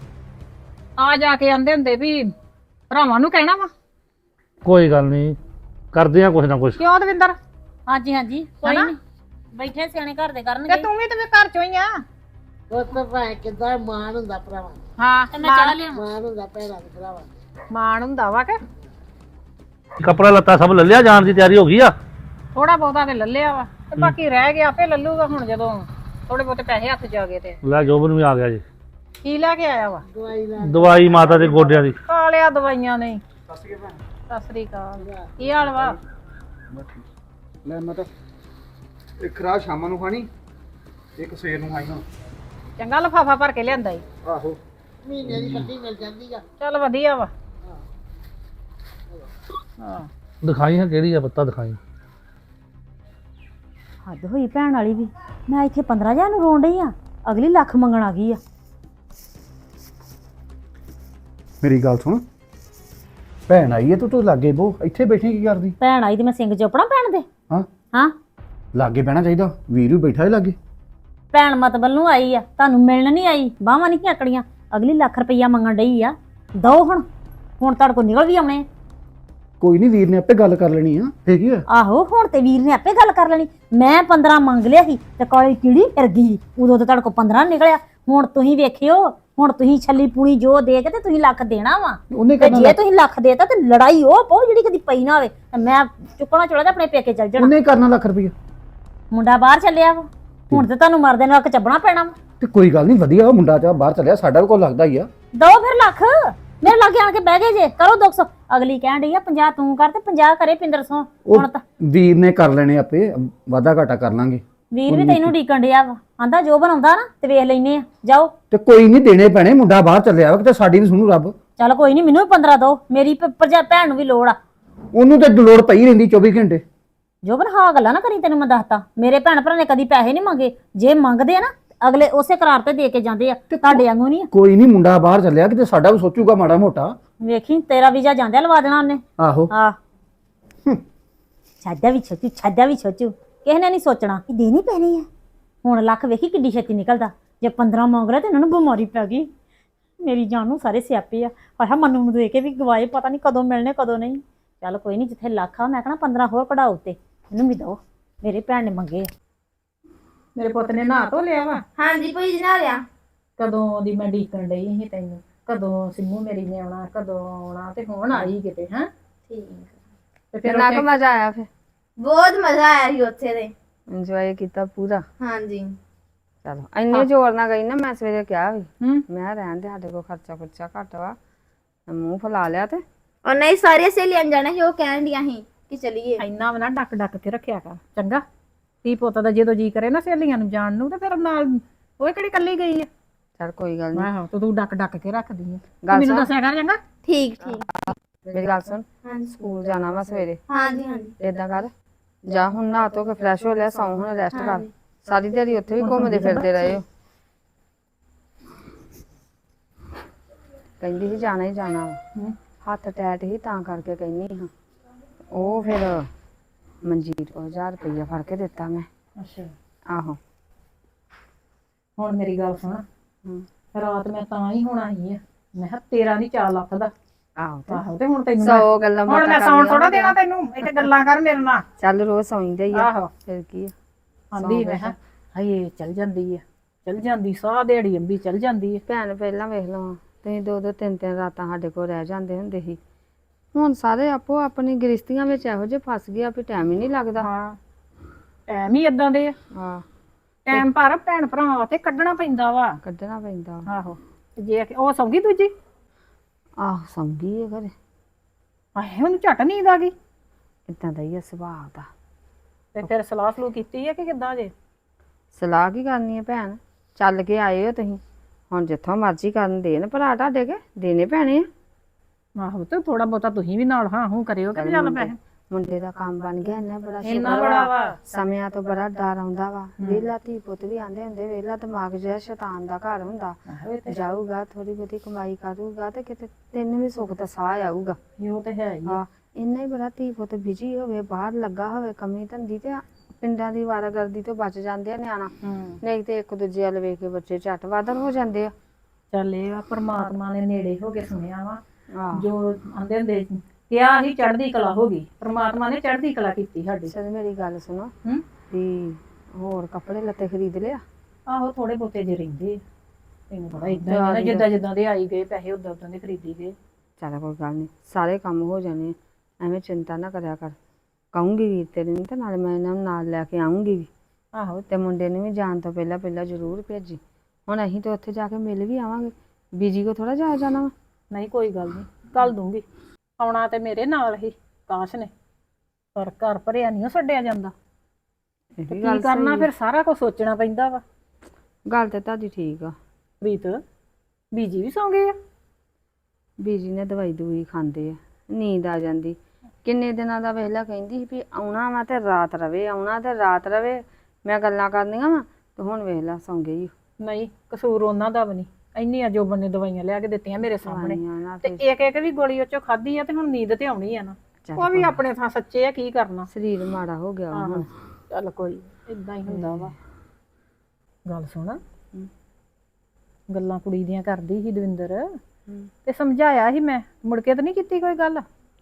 F: ਆ ਜਾ ਕੇ ਆਂਦੇ ਹੁੰਦੇ ਵੀ ਭਰਾਵਾਂ ਨੂੰ ਕਹਿਣਾ ਵਾ।
D: ਕੋਈ ਗੱਲ ਨਹੀਂ, ਕਰਦੇ ਆ ਕੁਛ ਨਾ ਕੁਛ।
F: ਕਿਉਂ ਦਵਿੰਦਰ?
A: ਹਾਂਜੀ ਹਾਂਜੀ ਕੋਈ
F: ਹਨਾ?
A: ਨਹੀਂ, ਬੈਠੇ ਸਿਆਣੇ ਘਰ ਦੇ
F: ਤੇ
A: ਕਰਨਗੇ।
F: ਤੂੰ ਵੀ ਤੇ ਵੀ ਘਰ ਚੋਂ ਹੀ ਆ।
C: ਪੁੱਤ ਭਾਵੇਂ ਕਿੱਦਾਂ ਮਾਣ ਹੁੰਦਾ ਭਰਾਵਾਂ ਨੂੰ,
F: ਹਾਂ
A: ਤੇ ਮੈਂ ਚਾਹ ਲਿਆਵਾਂ।
C: ਮਾਣ ਹੁੰਦਾ ਭੈਣਾਂ ਦੇ ਭਰਾਵਾਂ ਨੂੰ।
F: ਮਾਣ ਹੁੰਦਾ ਵਾ ਕਿ
D: ਕੱਪੜਾ ਲੱਤਾ ਸਭ ਲੈ ਲਿਆ, ਜਾਣ ਦੀ ਤਿਆਰੀ ਹੋ ਗਈ ਆ?
F: ਥੋੜਾ ਬਹੁਤਾ ਤੇ ਲੱਲਿਆ ਵਾ, ਤੇ ਬਾਕੀ ਰਹਿ ਗਿਆ ਆਪੇ ਲੱਲੂਗਾ ਹੁਣ ਜਦੋਂ ਥੋੜੇ ਬਹੁਤੇ ਪੈਸੇ ਹੱਥ ਚ ਆ ਗਏ। ਤੇ
D: ਲੈ ਜੋਬਨ ਵੀ ਆ ਗਿਆ ਜੀ।
F: ਕੀ ਲੈ ਕੇ ਆਇਆ ਵਾ?
C: ਦਵਾਈ ਲੈ
D: ਦਵਾਈ ਮਾਤਾ ਦੇ ਗੋਡਿਆਂ ਦੀ।
F: ਖਾ ਲਿਆ ਦਵਾਈਆਂ ਨਹੀਂ। ਸਤਿ ਸ੍ਰੀ ਅਕਾਲ। ਕੀ ਹਾਲ ਵਾ?
B: ਲੈ ਮੈਂ ਤਾਂ ਇੱਕ ਰਾਤ ਸ਼ਾਮਾਂ ਨੂੰ ਖਾਣੀ, ਇੱਕ ਸਵੇਰ ਨੂੰ ਖਾਈ ਹੁਣ।
F: ਚੰਗਾ ਲਫਾਫਾ ਭਰ ਕੇ ਲਿਆਂਦਾ ਈ।
B: ਆਹੋ
C: ਮਹੀਨੇ ਦੀ ਕੱਟੀ ਮਿਲ ਜਾਂਦੀ ਆ।
F: ਚੱਲ ਵਧੀਆ ਵਾ। ਹਾਂ
D: ਦਿਖਾਈ ਹੈ ਕਿਹੜੀ ਆ, ਪੱਤਾ ਦਿਖਾਈ।
A: ਹੱਦ ਹੋਈ ਭੈਣ ਵਾਲੀ ਵੀ। ਮੈਂ ਇੱਥੇ ਪੰਦਰਾਂ ਹਜ਼ਾਰ ਨੂੰ ਰੋਣ ਡਈ ਆ, ਅਗਲੀ ਲੱਖ ਮੰਗਣ ਆ ਗਈ ਆ।
B: ਮੇਰੀ ਗੱਲ ਸੁਣ, ਭੈਣ ਆਈ ਹੈ ਤੂੰ ਤੂੰ ਲਾਗੇ ਬੋ, ਇੱਥੇ ਬੈਠੀ ਕੀ ਕਰਦੀ?
A: ਭੈਣ ਆਈ ਤੇ ਮੈਂ ਸਿੰਘ ਚੋਪੜਾ ਭੈਣ ਦੇ।
B: ਹਾਂ
A: ਹਾਂ
B: ਲਾਗੇ ਬਹਿਣਾ ਚਾਹੀਦਾ, ਵੀਰ ਵੀ ਬੈਠਾ ਹੈ ਲਾਗੇ।
A: ਭੈਣ ਮਤਬਲ ਨੂੰ ਆਈ ਆ, ਤੁਹਾਨੂੰ ਮਿਲਣ ਨਹੀਂ ਆਈ। ਬਾਹਾਂ ਨਹੀਂ ਆਕੜੀਆਂ, ਅਗਲੀ ਲੱਖ ਰੁਪਈਆ ਮੰਗਣ ਡਈ ਆ। ਦੋ ਹੁਣ ਹੁਣ ਤੁਹਾਡੇ ਕੋਲ ਨਿਕਲ ਵੀ ਆਉਣੇ।
B: ਕੋਈ ਨਹੀਂ, ਵੀਰ ਨੇ ਆਪੇ ਗੱਲ ਕਰ ਲੈਣੀ ਆ, ਫੇਰ ਕੀ ਹੋਇਆ?
A: ਆਹੋ ਹੁਣ ਤੇ ਵੀਰ ਨੇ ਆਪੇ ਗੱਲ ਕਰ ਲੈਣੀ। ਮੈਂ ਪੰਦਰਾਂ ਮੰਗ ਲਿਆ ਸੀ ਤੇ ਕਾਲੀ ਕੀੜੀ ਫਿਰ ਗਈ, ਉਦੋਂ ਤੇ ਤੁਹਾਡੇ ਕੋਲ ਪੰਦਰਾਂ ਨਿਕਲਿਆ। ਹੁਣ ਤੁਸੀਂ ਵੇਖਿਓ, ਹੁਣ ਤੁਸੀਂ ਛੱਲੀ ਪੂਣੀ ਜੋ ਦੇ ਕੇ ਤੇ ਤੁਸੀਂ ਲੱਖ ਦੇਣਾ ਵਾ।
B: ਉਹਨੇ
A: ਤੇ
B: ਕਰਨਾ
A: ਜੇ ਤੁਸੀਂ ਲੱਖ ਦੇਤਾ ਤੇ ਲੜਾਈ ਉਹ ਪਾਓ ਜਿਹੜੀ ਕਦੀ ਪਈ ਨਾ ਹੋਵੇ। ਤੇ ਮੈਂ ਚੁੱਕਣਾ ਚੁੜਾ ਤੇ ਆਪਣੇ ਪੇਕੇ ਚੱਲ ਜਾਣਾ।
B: ਉਹਨੇ ਕਰਨਾ ਲੱਖ ਰੁਪਈਆ।
A: ਮੁੰਡਾ ਬਾਹਰ ਚੱਲਿਆ ਵਾ, ਹੁਣ ਤੇ ਤੁਹਾਨੂੰ ਮਰਦੇ ਨੂੰ ਅੱਕ ਚੱਬਣਾ ਪੈਣਾ ਵਾ।
B: ਤੇ ਕੋਈ ਗੱਲ ਨਹੀਂ, ਵਧੀਆ ਉਹ ਮੁੰਡਾ ਚਾ ਬਾਹਰ ਚੱਲਿਆ, ਸਾਡਾ ਵੀ ਕੋਲ ਲੱਗਦਾ ਹੀ ਆ।
A: ਦੋ ਫਿਰ ਲੱਖ ਮੇਰੇ ਲਾਗੇ ਆਣ ਕੇ ਬਹਿ ਗਏ ਜੇ, ਕਰੋ ਦੋ ਸੌ। ਅਗਲੀ ਕਹਿਣ ਡਈ ਆ ਪੰਜਾਹ ਤੂੰ ਕਰ ਤੇ ਪੰਜਾਹ ਕਰੇ ਪਿੰਦਰ ਸੌ। ਹੁਣ ਤਾਂ
B: ਵੀਰ ਨੇ ਕਰ ਲੈਣੇ ਆਪੇ, ਵਾਧਾ ਘਾਟਾ ਕਰ ਲਾਂਗੇ।
A: ਵੀਰ ਵੀ ਤੈਨੂੰ ਡੀਕਣ ਡਿਆ ਵਾ, ਆਂਦਾ ਜੋ ਬਣਾਉਂਦਾ ਨਾ ਤੇ ਵੇਖ ਲੈਨੇ ਆ, ਜਾਓ।
B: ਤੇ ਕੋਈ ਨਹੀਂ, ਦੇਣੇ ਪੈਣੇ, ਮੁੰਡਾ ਬਾਹਰ ਚੱਲਿਆ ਵਾ, ਕਿਤੇ ਸਾਡੀ ਵੀ ਸੁਣੂ ਰੱਬ।
A: ਚੱਲ ਕੋਈ ਨਹੀਂ, ਮੈਨੂੰ ਵੀ ਪੰਦਰਾਂ ਦੋ, ਮੇਰੀ ਭ- ਭਰਜਾ ਭੈਣ ਨੂੰ ਵੀ ਲੋੜ ਆ।
B: ਉਹਨੂੰ ਤੇ ਲੋੜ ਪਈ ਰਹਿੰਦੀ ਚੌਵੀ ਘੰਟੇ।
A: ਜੋਬਨ ਹਾਂ ਗੱਲਾਂ ਨਾ ਕਰੀ, ਤੈਨੂੰ ਮੈਂ ਦੱਸਤਾ ਮੇਰੇ ਭੈਣ ਭਰਾ ਨੇ ਕਦੀ ਪੈਸੇ ਨਹੀਂ ਮੰਗੇ। ਜੇ ਮੰਗਦੇ ਆ ਨਾ ਅਗਲੇ ਉਸੇ ਕਰਾਰ ਤੇ ਦੇ ਕੇ ਜਾਂਦੇ ਆ, ਤੁਹਾਡੇ ਵਾਂਗੂ ਨਹੀਂ ਆ।
B: ਕੋਈ ਨਹੀਂ, ਮੁੰਡਾ ਬਾਹਰ ਚੱਲਿਆ, ਕਿਤੇ ਸਾਡਾ ਵੀ ਸੋਚੂਗਾ ਮਾੜਾ ਮੋਟਾ।
A: ਵੇਖੀ ਤੇਰਾ ਵੀਜ਼ਾ ਜਾਂਦਿਆ ਲਵਾ ਦੇਣਾ ਉਹਨੇ।
B: ਆਹੋ,
A: ਆ ਛੱਡਿਆ ਵੀ ਛੋਚੂ, ਛੱਡਿਆ ਵੀ ਛੋਚੂ, ਕਿਸੇ ਨੇ ਨਹੀਂ ਸੋਚਣਾ ਕਿ ਦੇਣੀ ਪੈਣੀ ਹੈ। ਹੁਣ ਲੱਖ ਵੇਖੀ ਕਿੱਡੀ ਛੇਤੀ ਨਿਕਲਦਾ। ਜੇ ਪੰਦਰਾਂ ਮੰਗ ਰਿਹਾ ਤੇ ਇਹਨਾਂ ਨੂੰ ਬਿਮਾਰੀ ਪੈ ਗਈ। ਮੇਰੀ ਜਾਨ ਨੂੰ ਸਾਰੇ ਸਿਆਪੇ ਆ। ਆਹ ਮੰਨੂ ਨੂੰ ਦੇ ਕੇ ਵੀ ਗਵਾਏ, ਪਤਾ ਨਹੀਂ ਕਦੋਂ ਮਿਲਣੇ ਕਦੋਂ ਨਹੀਂ। ਚੱਲ ਕੋਈ ਨਹੀਂ, ਜਿੱਥੇ ਲੱਖ ਆ ਮੈਂ ਕਹਣਾ ਪੰਦਰਾਂ ਹੋਰ ਕਢਾਓ ਤੇ ਇਹਨੂੰ ਵੀ ਦਿਓ, ਮੇਰੇ ਭੈਣ ਨੇ ਮੰਗੇ ਆ।
F: ਮੇਰੇ ਪੁੱਤ ਨੇ ਨਹਾ ਧੋ ਲਿਆ ਵਾ।
G: ਹਾਂਜੀ ਭਾਈ ਜੀ ਨਾ ਲਿਆ।
F: ਕਦੋਂ ਦੀ ਮੈਂ ਡੀਕਣ ਡਈ ਸੀ ਤੈਨੂੰ, ਕਦੋਂ ਸਿੰਮੂ ਮੇਰੀ ਨੇ ਆਉਣਾ, ਕਦੋਂ ਆਉਣਾ, ਤੇ ਹੁਣ ਆਈ ਕਿਤੇ। ਹੈ
G: ਠੀਕ
F: ਤੇ ਫਿਰ
E: ਕਿੰਨਾ ਕੁ ਮਜ਼ਾ ਆਇਆ ਫਿਰ?
G: ਬਹੁਤ ਮਜ਼ਾ ਆਇਆ ਸੀ ਉੱਥੇ ਦੇ।
E: ਇੰਜੋਏ ਕੀਤਾ ਪੂਰਾ?
G: ਹਾਂਜੀ
E: ਚਲੋ ਇੰਨੇ ਜ਼ੋਰ ਨਾਲ ਗਈ ਨਾ, ਮੈਂ ਸਵੇਰੇ ਕਿਹਾ ਵੀ
F: ਹੂੰ
E: ਮੈਂ ਰਹਿਣ ਦੇ, ਸਾਡੇ ਕੋਲ ਖਰਚਾ ਖੁਰਚਾ ਘੱਟ ਵਾ। ਮੂੰਹ ਫੁਲਾ ਲਿਆ ਤੇ
G: ਔਰ ਨਹੀਂ ਸਾਰੀਆਂ ਸਹੇਲੀਆਂ ਜਾਣਾ ਸੀ, ਉਹ ਕਹਿਣ ਡੀਆਂ ਸੀ ਕਿ ਚਲੀਏ।
F: ਇੰਨਾ ਵੀ ਨਾ ਡੱਕ ਡੱਕ ਕੇ ਰੱਖਿਆ ਕਰ, ਚੰਗਾ। ਧੀ ਪੁੱਤ ਦਾ ਜਦੋਂ ਜੀ ਕਰੇ ਨਾ ਸਹੇਲੀਆਂ ਨੂੰ ਜਾਣ ਨੂੰ, ਤੇ ਫਿਰ ਨਾਲ ਉਹ ਕਿਹੜੀ ਕੱਲੀ ਗਈ ਆ।
E: ਚਲ ਕੋਈ ਗੱਲ ਨਹੀਂ।
F: ਆਹੋ ਤੇ ਤੂੰ ਡੱਕ ਡੱਕ ਕੇ ਰੱਖਦੀ ਆ।
E: ਗੱਲ
F: ਮੈਨੂੰ
E: ਸੁਣ।
F: ਦੱਸਿਆ ਕਰ ਚੰਗਾ।
G: ਠੀਕ ਠੀਕ
E: ਮੇਰੀ ਗੱਲ ਸੁਣ,
G: ਹਾਂਜੀ
E: ਸਕੂਲ ਜਾਣਾ ਵਾ ਸਵੇਰੇ।
G: ਹਾਂਜੀ ਹਾਂਜੀ
E: ਏਦਾਂ ਕਰ, ਜਾ ਹੁਣ ਨਹਾ ਧੋ ਕੇ ਫਰੈਸ਼ ਹੋ ਲਿਆ, ਸੌਂ ਹੁਣ ਰੈਸਟ ਕਰ। ਸਾਰੀ ਦਿਹਾੜੀ ਉੱਥੇ ਵੀ ਘੁੰਮਦੇ ਫਿਰਦੇ ਰਹੇ ਹੋ। ਕਹਿੰਦੀ ਸੀ ਜਾਣਾ ਹੀ ਜਾਣਾ ਵਾ। ਹੱਥ ਟੈਟ ਹੀ ਤਾਂ ਕਰਕੇ ਕਹਿੰਦੀ ਹਾਂ। ਉਹ ਫਿਰ ਮਨਜੀਤ ਕੋਲ ਹਜ਼ਾਰ ਰੁਪਈਆ ਫੜ ਕੇ ਦਿੱਤਾ ਮੈਂ।
F: ਅੱਛਾ
E: ਆਹੋ
F: ਹੁਣ ਮੇਰੀ ਗੱਲ ਸੁਣ,
E: ਹੂੰ।
F: ਰਾਤ ਮੈਂ ਤਾਂ ਹੀ ਹੁਣ ਆਈ ਆ, ਮੈਂ ਕਿਹਾ ਤੇਰਾ ਨਹੀਂ ਚਾਰ ਲੱਖ ਦਾ।
E: ਆਹੋ ਤੇ
F: ਆਹੋ ਤੇ ਹੁਣ ਤੈਨੂੰ ਮੈਂ-
E: ਸੌ ਗੱਲਾਂ
F: ਹੁਣ
E: ਬਾਤਾਂ
F: ਮੈਂ ਸੌਣ
E: ਕਰਨੀਆਂ
F: ਥੋੜਾ
E: ਹੁੰਦੀਆਂ।
F: ਦੇਣਾ ਤੈਨੂੰ, ਇੱਥੇ ਗੱਲਾਂ ਕਰ ਮੇਰੇ ਨਾਲ।
E: ਚੱਲ ਰੋਜ਼ ਸੌਂਦੇ ਹੀ ਆ,
F: ਆਹੋ
E: ਫਿਰ ਕੀ ਆ।
F: ਆਂਦੀ ਮੈਂ ਕਿਹਾ ਹਾਏ ਚੱਲ ਜਾਂਦੀ ਆ, ਚੱਲ ਜਾਂਦੀ, ਸਾਹ ਦਿਹਾੜੀ ਅੰਬੀ ਚੱਲ ਜਾਂਦੀ ਆ।
E: ਭੈਣ ਪਹਿਲਾਂ ਵੇਖ ਲਓ, ਤੁਸੀਂ ਦੋ ਦੋ ਤਿੰਨ ਤਿੰਨ ਰਾਤਾਂ ਸਾਡੇ ਕੋਲ ਰਹਿ ਜਾਂਦੇ ਹੁੰਦੇ ਸੀ। ਹੁਣ ਸਾਰੇ ਆਪੋ ਆਪਣੀ ਗ੍ਰਿਸ਼ਤੀਆਂ ਵਿੱਚ ਇਹੋ ਜਿਹੇ ਫਸ ਗਏ ਆ ਵੀ ਟਾਈਮ ਹੀ ਨਹੀਂ ਲੱਗਦਾ।
F: ਹਾਂ ਟਾਈਮ ਹੀ ਇਦਾਂ ਦੇ ਆ।
E: ਹਾਂ
F: ਟਾਈਮ ਪਰ ਭੈਣ ਭਰਾਵਾਂ ਵਾਸਤੇ ਕੱਢਣਾ ਪੈਂਦਾ ਵਾ।
E: ਕੱਢਣਾ ਪੈਂਦਾ।
F: ਆਹੋ ਤੇ ਜੇ ਕਿ ਉਹ ਸੌਂਗੀ ਦੂਜੀ,
E: ਆਹ ਸੌਂਗੀ ਹੈ ਘਰੇ।
F: ਆਹੇ ਉਹਨੂੰ ਝਟ ਨੀਂਦ ਆ ਗਈ।
E: ਇਦਾਂ ਦਾ ਹੀ ਆ ਸੁਭਾਅ ਦਾ।
F: ਤੇ ਫਿਰ ਸਲਾਹ ਸਲੂ ਕੀਤੀ ਹੈ ਕਿ ਕਿੱਦਾਂ ਜੇ?
E: ਸਲਾਹ ਕੀ ਕਰਨੀ ਹੈ ਭੈਣ, ਚੱਲ ਕੇ ਆਏ ਹੋ ਤੁਸੀਂ, ਹੁਣ ਜਿੱਥੋਂ ਮਰਜ਼ੀ ਕਰਨ ਦੇਣ ਭਰਾ ਤੁਹਾਡੇ ਕੇ ਦੇਣੇ ਪੈਣੇ ਆ।
F: ਆਹੋ ਤੇ ਥੋੜਾ ਬਹੁਤਾ ਤੁਸੀਂ ਵੀ ਨਾਲ ਹਾਂ ਹੂੰ ਕਰਿਓ ਕਿ ਚੱਲ ਪੈਸੇ।
E: ਮੁੰਡੇ ਦਾ ਕੰਮ ਬਣ ਗਿਆ ਇੰਨਾ ਬੜਾ
F: ਇੰਨਾ
E: ਸ਼ੁਕਰ
F: ਬੜਾ
E: ਵਾ।
F: ਵਾ।
E: ਸਮਿਆਂ ਤੋਂ ਬੜਾ ਡਰ ਆਉਂਦਾ ਵਾ। ਵਿਹਲਾ ਧੀ ਪੁੱਤ ਵੀ ਆਂਦੇ ਹੁੰਦੇ, ਵਿਹਲਾ ਦਿਮਾਗ ਜਿਹੜਾ ਸ਼ੈਤਾਨ ਦਾ ਘਰ ਹੁੰਦਾ। ਜਾਊਗਾ ਥੋੜੀ ਬਹੁਤੀ ਕਮਾਈ ਕਰੂਗਾ ਤੇ ਕਿਤੇ ਤੈਨੂੰ ਵੀ ਸੁੱਖ ਦਾ ਸਾਹ ਆਊਗਾ।
F: ਉਹ ਤੇ ਹੈ ਹੀ ਆ।
E: ਹਾਂ ਇੰਨਾ ਹੀ ਬੜਾ ਧੀ ਪੁੱਤ ਬਿਜੀ ਹੋਵੇ, ਬਾਹਰ ਲੱਗਾ ਹੋਵੇ ਕਮੀ ਧੰਦੀ, ਤੇ ਪਿੰਡਾਂ ਦੀ ਵਾਰਾਗਰਦੀ ਤੋਂ ਬਚ ਜਾਂਦੇ ਆ ਨਿਆਣਾ।
F: ਹੂੰ
E: ਨਹੀਂ ਤੇ ਇੱਕ ਦੂਜੇ ਵੱਲ ਵੇਖ ਕੇ ਬੱਚੇ ਝੱਟ ਵਾਧਰ ਹੋ ਜਾਂਦੇ ਆ।
F: ਚੱਲ ਇਹ ਆ ਪਰਮਾਤਮਾ ਨੇ ਨੇੜੇ ਹੋ ਕੇ ਸੁਣਿਆ ਵਾ।
E: ਆਹ
F: ਜੋ ਆਂਦੇ ਹੁੰਦੇ ਸੀ, ਕਿਹਾ ਹੀ ਚੜ੍ਹਦੀ ਕਲਾ ਹੋ ਗਈ, ਪਰਮਾਤਮਾ ਨੇ ਚੜ੍ਹਦੀ ਕਲਾ ਕੀਤੀ ਸਾਡੀ।
E: ਚਲ ਮੇਰੀ ਗੱਲ ਸੁਣੋ
F: ਹੂੰ
E: ਵੀ ਹੋਰ ਕੱਪੜੇ ਲੱਤੇ ਖਰੀਦ ਲਿਆ?
F: ਆਹੋ ਥੋੜੇ ਬਹੁਤੇ ਜੇ ਰਹਿੰਦੇ ਆ। ਤੈਨੂੰ ਪਤਾ ਇਦਾਂ ਹੀ ਆ ਨਾ, ਜਿੱਦਾਂ ਜਿੱਦਾਂ ਦੇ ਆਈ ਗਏ ਪੈਸੇ ਉਦਾਂ ਉਦਾਂ ਦੇ ਖਰੀਦੀ ਗਏ।
E: ਚੱਲ ਕੋਈ ਗੱਲ ਨਹੀਂ, ਸਾਰੇ ਕੰਮ ਹੋ ਜਾਣੇ ਆ, ਐਵੇਂ ਚਿੰਤਾ ਨਾ ਕਰਿਆ ਕਰ। ਕਹੂੰਗੀ ਵੀਰ ਤੇਰੇ ਨੂੰ ਤੇ ਨਾਲ ਮੈਂ ਇਹਨਾਂ ਨੂੰ ਨਾਲ ਲੈ ਕੇ ਆਉਂਗੀ ਵੀ।
F: ਆਹੋ
E: ਤੇ ਮੁੰਡੇ ਨੂੰ ਵੀ ਜਾਣ ਤੋਂ ਪਹਿਲਾਂ ਪਹਿਲਾਂ ਜ਼ਰੂਰ ਭੇਜੀ। ਹੁਣ ਅਸੀਂ ਤਾਂ ਉੱਥੇ ਜਾ ਕੇ ਮਿਲ ਵੀ ਆਵਾਂਗੇ, ਬੀਜੀ ਕੋ ਥੋੜਾ ਜਾਇਆ ਜਾਣਾ ਵਾ।
F: ਨਹੀਂ ਕੋਈ ਗੱਲ ਨਹੀਂ, ਕੱਲ ਦੂੰਗੀ। ਆਉਣਾ ਤੇ ਮੇਰੇ ਨਾਲ ਹੀ ਕਾਸ਼ ਨੇ, ਪਰ ਘਰ ਭਰਿਆ ਨਹੀਂ ਛੱਡਿਆ ਜਾਂਦਾ।
E: ਇਹ ਵੀ
F: ਕੀ
E: ਗੱਲ
F: ਕਰਨਾ
E: ਸਹੀ
F: ਫਿਰ, ਸਾਰਾ ਕੁਝ ਸੋਚਣਾ ਪੈਂਦਾ ਵਾ।
E: ਗੱਲ ਤੇ ਤੁਹਾਡੀ ਠੀਕ ਆ।
F: ਪ੍ਰੀਤ ਬੀਜੀ ਵੀ ਸੌਂ ਗਏ ਆ?
E: ਬੀਜੀ ਨੇ ਦਵਾਈ ਦੂਈ ਖਾਂਦੇ ਆ, ਨੀਂਦ ਆ ਜਾਂਦੀ। ਕਿੰਨੇ ਦਿਨਾਂ ਦਾ ਵੇਖਲਾ ਕਹਿੰਦੀ ਸੀ ਵੀ ਆਉਣਾ ਵਾ ਤੇ ਰਾਤ ਰਵੇ, ਆਉਣਾ ਤੇ ਰਾਤ ਰਵੇ, ਮੈਂ ਗੱਲਾਂ ਕਰਨੀਆਂ ਵਾ, ਤੇ ਹੁਣ ਵੇਖਲਾ ਸੌਂ ਗਈ।
F: ਨਹੀਂ ਕਸੂਰ ਉਹਨਾਂ ਦਾ ਵੀ ਨਹੀਂ, ਇੰਨੀਆਂ ਜੋਬਨ ਨੇ ਦਵਾਈਆਂ ਲਿਆ ਕੇ ਦਿੱਤੀਆਂ ਮੇਰੇ ਸਾਹਮਣੇ,
E: ਦਵਾਈਆਂ ਨਾ
F: ਤੇ
E: ਫਿਰ
F: ਇੱਕ ਇੱਕ ਵੀ ਗੋਲੀ ਉਹ ਚੋਂ ਖਾਧੀ ਆ, ਤੇ ਹੁਣ ਨੀਂਦ ਤੇ ਆਉਣੀ ਆ ਨਾ।
E: ਚੱਲ
F: ਉਹ ਵੀ ਆਪਣੇ ਥਾਂ ਸੱਚੇ ਆ, ਕੀ ਕਰਨਾ।
E: ਸਰੀਰ ਮਾੜਾ ਹੋ ਗਿਆ ਵਾ ਹੁਣ।
F: ਚੱਲ ਕੋਈ ਇਦਾਂ ਹੀ ਹੁੰਦਾ ਵਾ। ਗੱਲ ਸੁਣ, ਗੱਲਾਂ ਕੁੜੀ ਦੀਆਂ ਕਰਦੀ ਸੀ ਦਵਿੰਦਰ, ਤੇ ਸਮਝਾਇਆ ਸੀ ਮੈਂ, ਮੁੜ ਕੇ ਤਾਂ ਨਹੀਂ ਕੀਤੀ ਕੋਈ ਗੱਲ?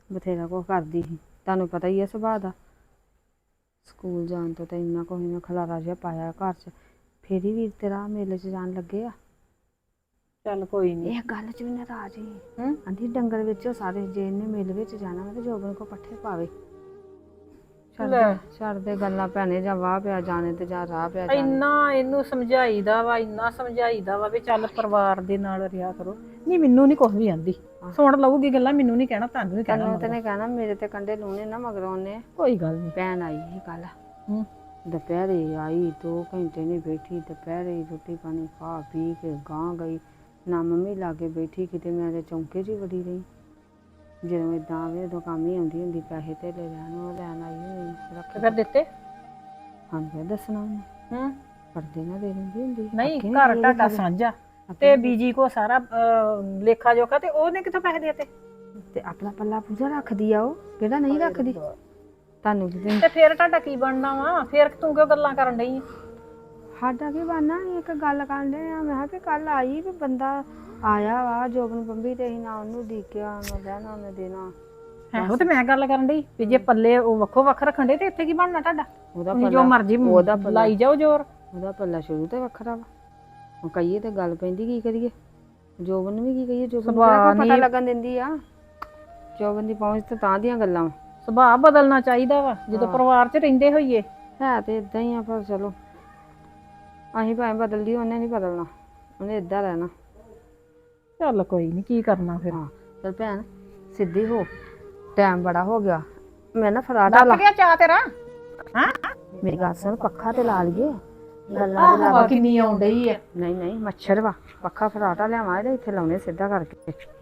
E: ਬਥੇਰਾ ਕੁਛ ਕਰਦੀ ਸੀ, ਤੁਹਾਨੂੰ ਪਤਾ ਹੀ ਆ ਸੁਭਾਅ ਦਾ। ਸਕੂਲ ਜਾਣ ਤੋਂ ਤਾਂ ਇੰਨਾ ਕੁਛ ਮੈਂ ਖਲਾਰਾ ਜਿਹਾ ਪਾਇਆ ਘਰ 'ਚ, ਫਿਰ ਹੀ ਵੀਰ ਤੇਰਾ ਮੇਲੇ 'ਚ ਜਾਣ ਲੱਗੇ ਆ।
F: ਚੱਲ ਕੋਈ ਨਹੀਂ।
E: ਇਹ ਗੱਲ 'ਚ ਵੀ ਨਾਰਾਜ਼ ਸੀ।
F: ਹੂੰ
E: ਆਂਦੀ ਡੰਗਰ ਵਿੱਚੋਂ ਸਾਰੇ ਜੇ ਇਹਨੇ ਮੇਲੇ ਵਿੱਚ ਜਾਣਾ ਵਾ ਤੇ ਜੋਬਨ ਕੋ ਪੱਠੇ ਪਾਵੇ। ਛੱਡ
F: ਲੈ।
E: ਦੇ ਛੱਡ ਦੇ ਗੱਲਾਂ ਭੈਣੇ, ਜਾਂ ਵਾਹ ਪਿਆ ਜਾਣੇ ਤੇ ਜਾਂ ਰਾਹ ਪਿਆ ਜਾਣੇ।
F: ਇੰਨਾ ਇਹਨੂੰ ਸਮਝਾਈਦਾ ਵਾ ਇੰਨਾ ਸਮਝਾਈਦਾ ਵਾ ਵੀ ਚੱਲ ਪਰਿਵਾਰ ਦੇ ਨਾਲ ਰਿਹਾ ਕਰੋ। ਨਹੀਂ ਮੈਨੂੰ ਨਹੀਂ ਕੁਝ ਵੀ ਆਂਦੀ, ਸੁਣ ਲਊਗੀ ਗੱਲਾਂ, ਮੈਨੂੰ ਨਹੀਂ ਕਹਿਣਾ, ਤੁਹਾਨੂੰ ਨਹੀਂ ਕਹਿਣਾ।
E: ਤੈਨੂੰ ਤੇ ਨੇ ਕਹਿਣਾ ਮੇਰੇ ਤੇ ਕੰਡੇ ਲੂਣੇ ਨਾ ਮਗਰੋਂ ਉਹਨੇ।
F: ਕੋਈ ਗੱਲ ਨਹੀਂ।
E: ਭੈਣ ਆਈ ਸੀ ਕੱਲ,
F: ਹੂੰ
E: ਦੁਪਹਿਰੇ ਆਈ, ਦੋ ਘੰਟੇ ਨਹੀਂ ਬੈਠੀ, ਦੁਪਹਿਰੇ ਰੋਟੀ ਪਾਣੀ ਖਾ ਪੀ ਕੇ ਗਾਂ ਗਈ, ਨਾ ਮੰਮੀ ਲਾਗੇ ਬੈਠੀ ਕਿਤੇ, ਮੈਂ ਤੇ ਚੌਂਕੇ 'ਚ ਹੀ ਵੜੀ ਰਹੀ। ਜਦੋਂ ਇਦਾਂ ਆਵੇ ਉਦੋਂ ਕੰਮ ਹੀ ਆਉਂਦੀ ਹੁੰਦੀ, ਪੈਸੇ ਧੇਲੇ ਲੈਣ, ਉਹ ਲੈਣ ਆਈ ਹੋਈ
F: ਤੇ
E: ਰੱਖ
F: ਫਿਰ ਦਿੱਤੇ?
E: ਹਾਂ ਫਿਰ ਦੱਸਣਾ ਉਹਨੇ,
F: ਹੂੰ
E: ਪਰਦੇ ਨਾ ਦੇ ਦਿੰਦੀ ਹੁੰਦੀ।
F: ਨਹੀਂ,
E: ਅੱਗੇ
F: ਘਰ
E: ਦੇ
F: ਤੁਹਾਡਾ
E: ਦਿੰਦੀ।
F: ਸਾਂਝਾ
E: ਆਪੇ
F: ਤੇ ਬੀਜੀ ਕੋ ਸਾਰਾ ਅਹ, ਲੇਖਾ ਜੋਖਾ, ਤੇ ਉਹਨੇ ਕਿੱਥੋਂ ਪੈਸੇ ਦੇਤੇ?
E: ਤੇ ਆਪਣਾ ਪੱਲਾ ਪੂਜਾ ਰੱਖਦੀ ਆ, ਉਹ ਕਿਹੜਾ ਨਹੀਂ ਰੱਖਦੀ। ਤੁਹਾਨੂੰ ਕੀ ਦਿੰਦੀ?
F: ਤੇ ਫਿਰ ਤੁਹਾਡਾ ਕੀ ਬਣਨਾ ਵਾ? ਫਿਰ ਤੂੰ ਕਿਉਂ ਗੱਲਾਂ ਕਰਨ ਡਈ?
E: ਸਾਡਾ ਕੀ ਬਣਨਾ? ਇੱਕ ਗੱਲ ਕਰਨ ਦੇ ਆ, ਮੈਂ ਕਿਹਾ ਵੀ ਕੱਲ ਆਈ ਵੀ ਬੰਦਾ ਆਇਆ ਵਾ ਜੋਬਨ ਬੰਬੀ ਤੇ ਅਸੀਂ ਨਾ ਉਹਨੂੰ ਡੀਕਿਆ, ਨਾ ਬਹਿਣਾ ਨਾ ਦੇਣਾ।
F: ਉਹ ਤੇ ਮੈਂ ਗੱਲ ਕਰਨ ਡਈ ਵੀ ਜੇ ਪੱਲੇ ਉਹ ਵੱਖੋ ਵੱਖ ਰੱਖਣ ਦੇ ਤੇ ਇੱਥੇ ਕੀ ਬਣਨਾ ਤੁਹਾਡਾ?
E: ਉਹਦਾ
F: ਤੁਸੀਂ ਜੋ
E: ਪੱਲਾ
F: ਮਰਜ਼ੀ
E: ਉਹਦਾ ਪੱਲਾ
F: ਲਾਈ ਜਾਓ ਜ਼ੋਰ।
E: ਉਹਦਾ ਪੱਲਾ ਸ਼ੁਰੂ ਤੋਂ ਵੱਖਰਾ ਵਾ, ਹੁਣ ਕਹੀਏ ਤੇ ਗੱਲ ਪੈਂਦੀ, ਕੀ ਕਰੀਏ? ਜੋਬਨ ਨੂੰ ਵੀ ਕੀ ਕਹੀਏ? ਜੋਬਨ ਨੂੰ
F: ਸੁਭਾਅ
E: ਕਿਹੜਾ ਕੋਈ ਪਤਾ
F: ਨੀ-
E: ਲੱਗਣ ਦਿੰਦੀ ਆ? ਜੋਬਨ ਦੀ ਪਹੁੰਚ ਤੇ ਤਾਂ ਦੀਆਂ ਗੱਲਾਂ ਵਾ।
F: ਸੁਭਾਅ ਬਦਲਣਾ ਚਾਹੀਦਾ ਵਾ ਜਦੋਂ
E: ਹਾਂ।
F: ਪਰਿਵਾਰ 'ਚ ਰਹਿੰਦੇ ਹੋਈਏ।
E: ਹੈ ਤੇ ਇਦਾਂ ਹੀ ਆ, ਪਰ ਚਲੋ ਅਸੀਂ ਭਾਵੇਂ ਬਦਲਦੀ, ਉਹਨੇ ਨਹੀਂ ਬਦਲਣਾ, ਉਹਨੇ ਏਦਾਂ ਰਹਿਣਾ।
F: ਚੱਲ ਕੋਈ ਨਹੀਂ, ਕੀ ਕਰਨਾ ਫਿਰ।
E: ਹਾਂ ਚਲ ਭੈਣ ਸਿੱਧੀ ਹੋ, ਟਾਈਮ ਬੜਾ ਹੋ ਗਿਆ। ਮੈਂ ਨਾ ਫਰਾਟਾ ਲਾ,
F: ਡੱਕ ਗਿਆ ਚਾਹ ਤੇਰਾ? ਹਾਂ
E: ਮੇਰੀ ਗੱਲ ਸੁਣ, ਪੱਖਾ ਤੇ ਲਾ ਲਈਏ ਗੱਲਾਂ ਦੇ
F: ਹਵਾ
E: ਲਾ।
F: ਕਿੰਨੀ ਆਉਣ ਡਈ ਆ।
E: ਨਹੀਂ ਨਹੀਂ ਮੱਛਰ ਵਾ, ਪੱਖਾ ਫਰਾਟਾ ਲਿਆਵਾਂ ਇਹਦੇ ਇੱਥੇ ਲਾਉਣੇ ਸਿੱਧਾ ਕਰਕੇ।